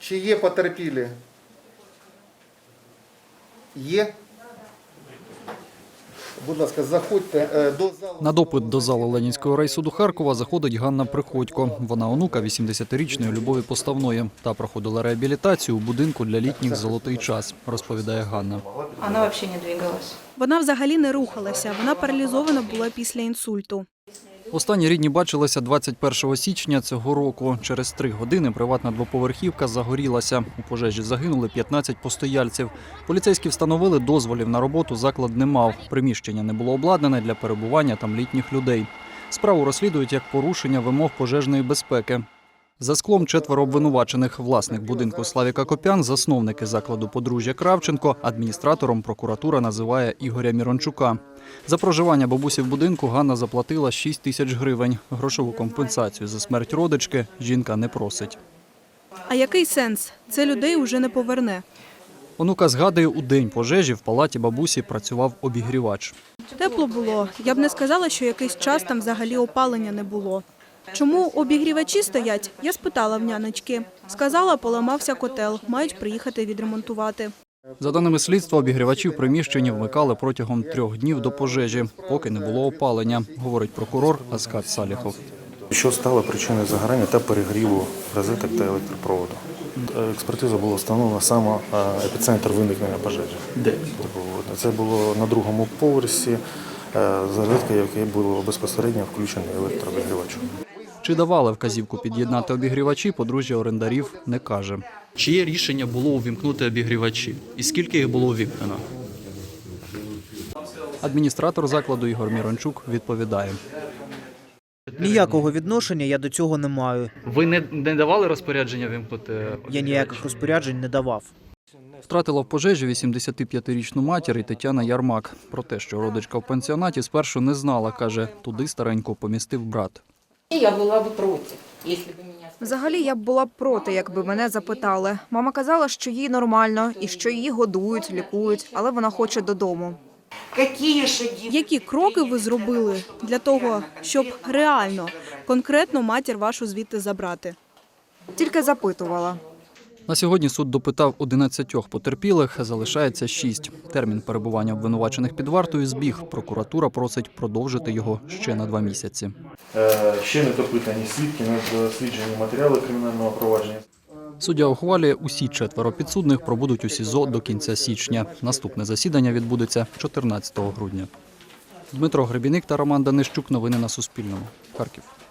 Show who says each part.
Speaker 1: Чи є потерпілі? Є? Будь ласка, заходьте до залу.
Speaker 2: На допит до залу Ленінського райсуду Харкова заходить Ганна Приходько. Вона онука 80-річної Любові Поставної. Та проходила реабілітацію у будинку для літніх «Золотий час», розповідає Ганна.
Speaker 3: Вона взагалі не двигалась.
Speaker 4: Вона взагалі не рухалася, вона паралізована була після інсульту.
Speaker 2: Останні рідні бачилися 21 січня цього року. Через 3 години приватна двоповерхівка загорілася. У пожежі загинули 15 постояльців. Поліцейські встановили, дозволів на роботу заклад не мав. Приміщення не було обладнане для перебування там літніх людей. Справу розслідують як порушення вимог пожежної безпеки. За склом 4 обвинувачених. Власник будинку Славік Акопян, засновники закладу подружжя Кравченко, адміністратором прокуратура називає Ігоря Мірончука. За проживання бабусі в будинку Ганна заплатила 6 тисяч гривень. Грошову компенсацію за смерть родички жінка не просить.
Speaker 4: А який сенс? Це людей уже не поверне.
Speaker 2: Онука згадує, у день пожежі в палаті бабусі працював обігрівач.
Speaker 4: Тепло було. Я б не сказала, що якийсь час там взагалі опалення не було. Чому обігрівачі стоять? Я спитала в нянечки. Сказала, поламався котел, мають приїхати відремонтувати.
Speaker 2: За даними слідства, обігрівачі в приміщенні вмикали протягом 3 днів до пожежі, поки не було опалення, говорить прокурор Аскат Саліхов.
Speaker 5: Що стало причиною загорання та перегріву розеток та електропроводу? Експертиза була встановлена саме епіцентр виникнення пожежі.
Speaker 2: Де?
Speaker 5: Це було на 2-му поверсі, розетка, в якій було безпосередньо включений електрообігрівач.
Speaker 2: Чи давали вказівку під'єднати обігрівачі, подружжя орендарів не каже. Чиє рішення було увімкнути обігрівачі? І скільки їх було увімкнено? Адміністратор закладу Ігор Мірончук відповідає.
Speaker 6: Ніякого відношення я до цього не маю.
Speaker 2: Ви не давали розпорядження вимкнути?
Speaker 6: Я ніяких розпоряджень не давав.
Speaker 2: Втратила в пожежі 85-річну матір і Тетяна Ярмак. Про те, що родичка в пенсіонаті, спершу не знала, каже, туди старенько помістив брат.
Speaker 3: Я була б проти, якщо б мене...
Speaker 7: Взагалі, я б була б проти, якби мене запитали. Мама казала, що їй нормально і що її годують, лікують, але вона хоче додому.
Speaker 4: Які кроки ви зробили для того, щоб реально, конкретно матір вашу звідти забрати?
Speaker 7: Тільки запитувала.
Speaker 2: На сьогодні суд допитав 11 потерпілих, залишається 6. Термін перебування обвинувачених під вартою збіг. Прокуратура просить продовжити його ще на 2 місяці.
Speaker 5: Ще не допитані свідки, не досліджені матеріали кримінального провадження.
Speaker 2: Суддя ухвалює, усі 4 підсудних пробудуть у СІЗО до кінця січня. Наступне засідання відбудеться 14 грудня. Дмитро Гребіник та Роман Данищук. Новини на Суспільному. Харків.